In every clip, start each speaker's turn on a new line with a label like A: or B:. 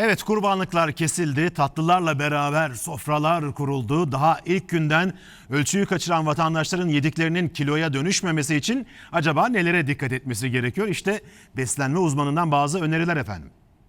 A: Evet, kurbanlıklar kesildi, tatlılarla beraber sofralar kuruldu. Daha ilk günden ölçüyü kaçıran vatandaşların yediklerinin kiloya dönüşmemesi için acaba nelere dikkat etmesi gerekiyor? İşte beslenme uzmanından bazı öneriler efendim.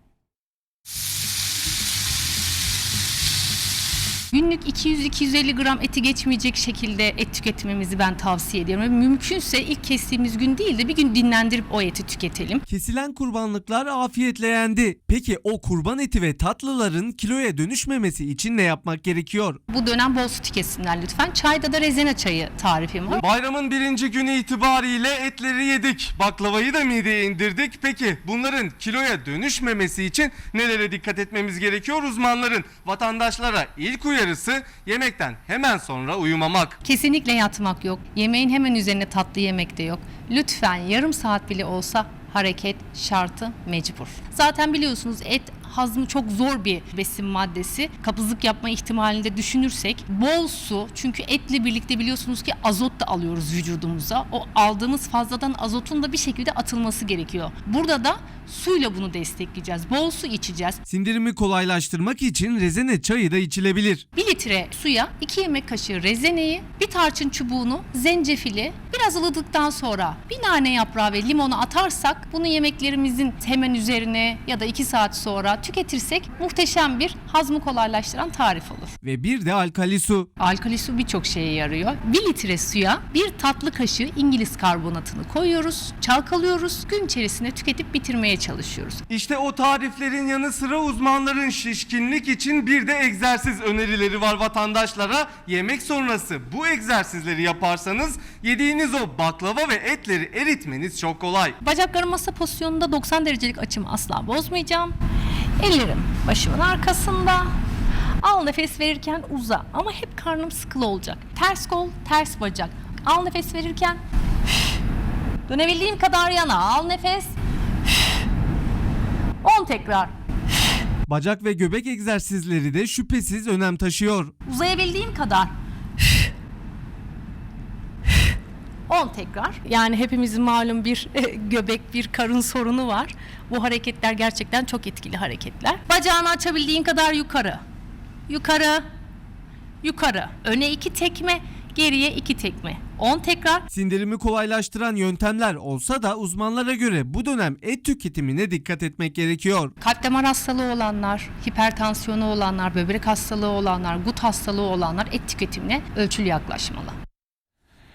B: Günlük 200-250 gram eti geçmeyecek şekilde et tüketmemizi ben tavsiye ediyorum. Ve mümkünse ilk kestiğimiz gün değil de bir gün dinlendirip o eti tüketelim.
C: Kesilen kurbanlıklar afiyetle yendi. Peki o kurban eti ve tatlıların kiloya dönüşmemesi için ne yapmak gerekiyor?
B: Bu dönem bol su tüketsinler lütfen. Çayda da rezene çayı tarifim var.
C: Bayramın birinci günü itibariyle etleri yedik. Baklavayı da mideye indirdik. Peki bunların kiloya dönüşmemesi için nelere dikkat etmemiz gerekiyor? Uzmanların vatandaşlara ilk uyarısı yemekten hemen sonra uyumamak.
B: Kesinlikle yatmak yok. Yemeğin hemen üzerine tatlı yemek de yok. Lütfen yarım saat bile olsa hareket şartı mecbur. Zaten biliyorsunuz et hazmı çok zor bir besin maddesi. Kabızlık yapma ihtimalini de düşünürsek bol su, çünkü etle birlikte biliyorsunuz ki azot da alıyoruz vücudumuza. O aldığımız fazladan azotun da bir şekilde atılması gerekiyor. Burada da suyla bunu destekleyeceğiz. Bol su içeceğiz.
C: Sindirimi kolaylaştırmak için rezene çayı da içilebilir.
B: 1 litre suya 2 yemek kaşığı rezeneyi, bir tarçın çubuğunu, zencefili biraz ılıdıktan sonra bir nane yaprağı ve limonu atarsak bunu yemeklerimizin hemen üzerine ya da 2 saat sonra tüketirsek muhteşem bir hazmı kolaylaştıran tarif olur.
C: Ve bir de alkali su.
B: Alkali su birçok şeye yarıyor. 1 litre suya 1 tatlı kaşığı İngiliz karbonatını koyuyoruz, çalkalıyoruz, gün içerisinde tüketip bitirmeye çalışıyoruz.
C: İşte o tariflerin yanı sıra uzmanların şişkinlik için bir de egzersiz önerileri var vatandaşlara. Yemek sonrası bu egzersizleri yaparsanız yediğiniz o baklava ve etleri eritmeniz çok kolay.
B: Bacaklarım masa pozisyonunda 90 derecelik açımı asla bozmayacağım. Ellerim başımın arkasında. Al nefes verirken uza ama hep karnım sıkılı olacak. Ters kol, ters bacak. Al nefes verirken dönebildiğim kadar yana al nefes. 10 tekrar.
C: Bacak ve göbek egzersizleri de şüphesiz önem taşıyor.
B: Uzayabildiğim kadar. 10 tekrar. Yani hepimizin malum bir göbek, bir karın sorunu var. Bu hareketler gerçekten çok etkili hareketler. Bacağını açabildiğin kadar yukarı. Yukarı. Yukarı. Öne 2 tekme, geriye 2 tekme. 10 tekrar.
C: Sindirimi kolaylaştıran yöntemler olsa da uzmanlara göre bu dönem et tüketimine dikkat etmek gerekiyor.
B: Kalp damar hastalığı olanlar, hipertansiyonu olanlar, böbrek hastalığı olanlar, gut hastalığı olanlar et tüketimine ölçülü yaklaşmalı.